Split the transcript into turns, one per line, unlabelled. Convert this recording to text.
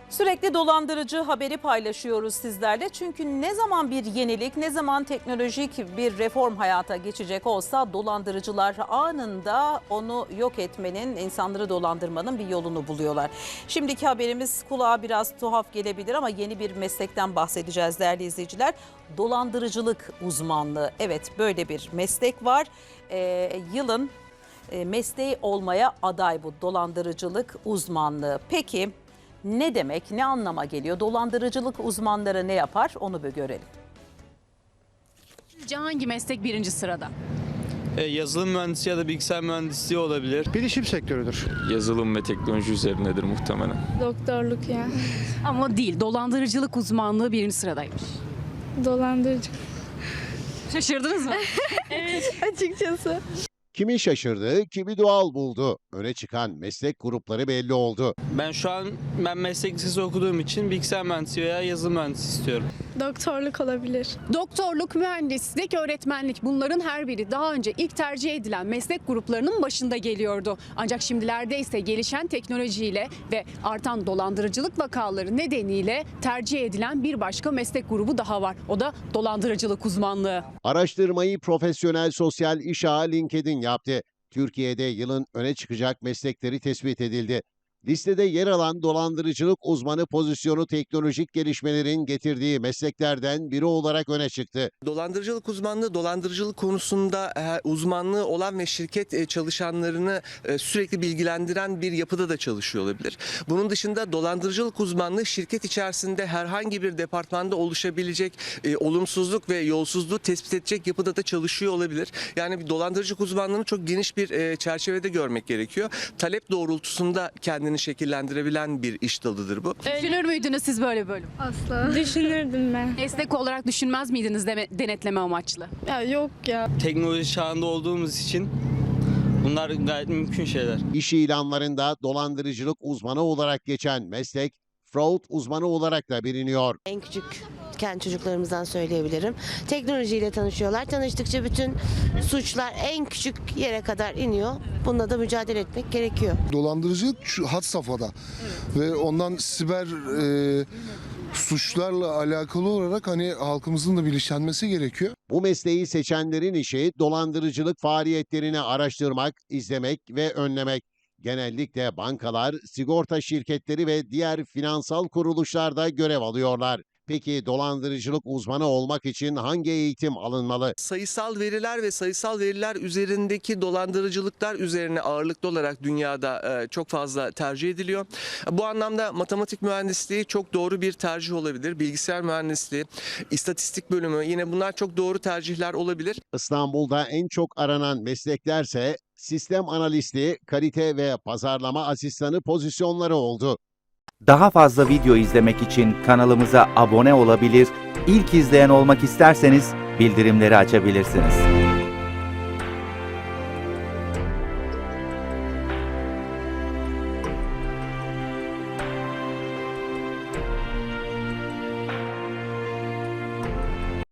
Sürekli dolandırıcı haberi paylaşıyoruz sizlerle. Çünkü ne zaman bir yenilik, ne zaman teknolojik bir reform hayata geçecek olsa dolandırıcılar anında onu yok etmenin, insanları dolandırmanın bir yolunu buluyorlar. Şimdiki haberimiz kulağa biraz tuhaf gelebilir ama yeni bir meslekten bahsedeceğiz değerli izleyiciler. Dolandırıcılık uzmanlığı. Evet, böyle bir meslek var. Yılın mesleği olmaya aday bu dolandırıcılık uzmanlığı. Peki ne demek, ne anlama geliyor? Dolandırıcılık uzmanları ne yapar? Onu bir görelim.
Sizce hangi meslek birinci sırada?
Yazılım mühendisi ya da bilgisayar mühendisliği olabilir.
Bilişim sektörüdür.
Yazılım ve teknoloji üzerindedir muhtemelen.
Doktorluk ya.
Ama değil, dolandırıcılık uzmanlığı birinci sıradaymış.
Dolandırıcı.
Şaşırdınız mı?
Açıkçası.
Kimi şaşırdı, kimi doğal buldu. Öne çıkan meslek grupları belli oldu.
Ben meslek lisesi okuduğum için bilgisayar mühendisi veya yazılım mühendisi istiyorum.
Doktorluk olabilir.
Doktorluk, mühendislik, öğretmenlik bunların her biri daha önce ilk tercih edilen meslek gruplarının başında geliyordu. Ancak şimdilerde ise gelişen teknolojiyle ve artan dolandırıcılık vakaları nedeniyle tercih edilen bir başka meslek grubu daha var. O da dolandırıcılık uzmanlığı.
Araştırmayı Profesyonel Sosyal İş Ağı LinkedIn yaptı. Türkiye'de yılın öne çıkacak meslekleri tespit edildi. Listede yer alan dolandırıcılık uzmanı pozisyonu teknolojik gelişmelerin getirdiği mesleklerden biri olarak öne çıktı.
Dolandırıcılık uzmanlığı, dolandırıcılık konusunda uzmanlığı olan ve şirket çalışanlarını sürekli bilgilendiren bir yapıda da çalışıyor olabilir. Bunun dışında dolandırıcılık uzmanlığı şirket içerisinde herhangi bir departmanda oluşabilecek olumsuzluk ve yolsuzluğu tespit edecek yapıda da çalışıyor olabilir. Yani dolandırıcılık uzmanlığını çok geniş bir çerçevede görmek gerekiyor. Talep doğrultusunda kendini şekillendirebilen bir iş dalıdır bu.
Düşünür müydünüz siz böyle bölüm?
Asla. Düşünürdüm ben.
Meslek olarak düşünmez miydiniz denetleme amaçlı?
Ya yok ya.
Teknoloji çağında olduğumuz için bunlar gayet mümkün şeyler.
İş ilanlarında dolandırıcılık uzmanı olarak geçen meslek, fraud uzmanı olarak da biliniyor.
En küçükken çocuklarımızdan söyleyebilirim. Teknolojiyle tanışıyorlar. Tanıştıkça bütün suçlar en küçük yere kadar iniyor. Bununla da mücadele etmek gerekiyor.
Dolandırıcılık had safhada ve ondan siber suçlarla alakalı olarak hani halkımızın da bilinçlenmesi gerekiyor.
Bu mesleği seçenlerin işi dolandırıcılık faaliyetlerini araştırmak, izlemek ve önlemek. Genellikle bankalar, sigorta şirketleri ve diğer finansal kuruluşlarda görev alıyorlar. Peki dolandırıcılık uzmanı olmak için hangi eğitim alınmalı?
Sayısal veriler ve sayısal veriler üzerindeki dolandırıcılıklar üzerine ağırlıklı olarak dünyada çok fazla tercih ediliyor. Bu anlamda matematik mühendisliği çok doğru bir tercih olabilir. Bilgisayar mühendisliği, istatistik bölümü yine bunlar çok doğru tercihler olabilir.
İstanbul'da en çok aranan mesleklerse sistem analisti, kalite ve pazarlama asistanı pozisyonları oldu.
Daha fazla video izlemek için kanalımıza abone olabilir, ilk izleyen olmak isterseniz bildirimleri açabilirsiniz.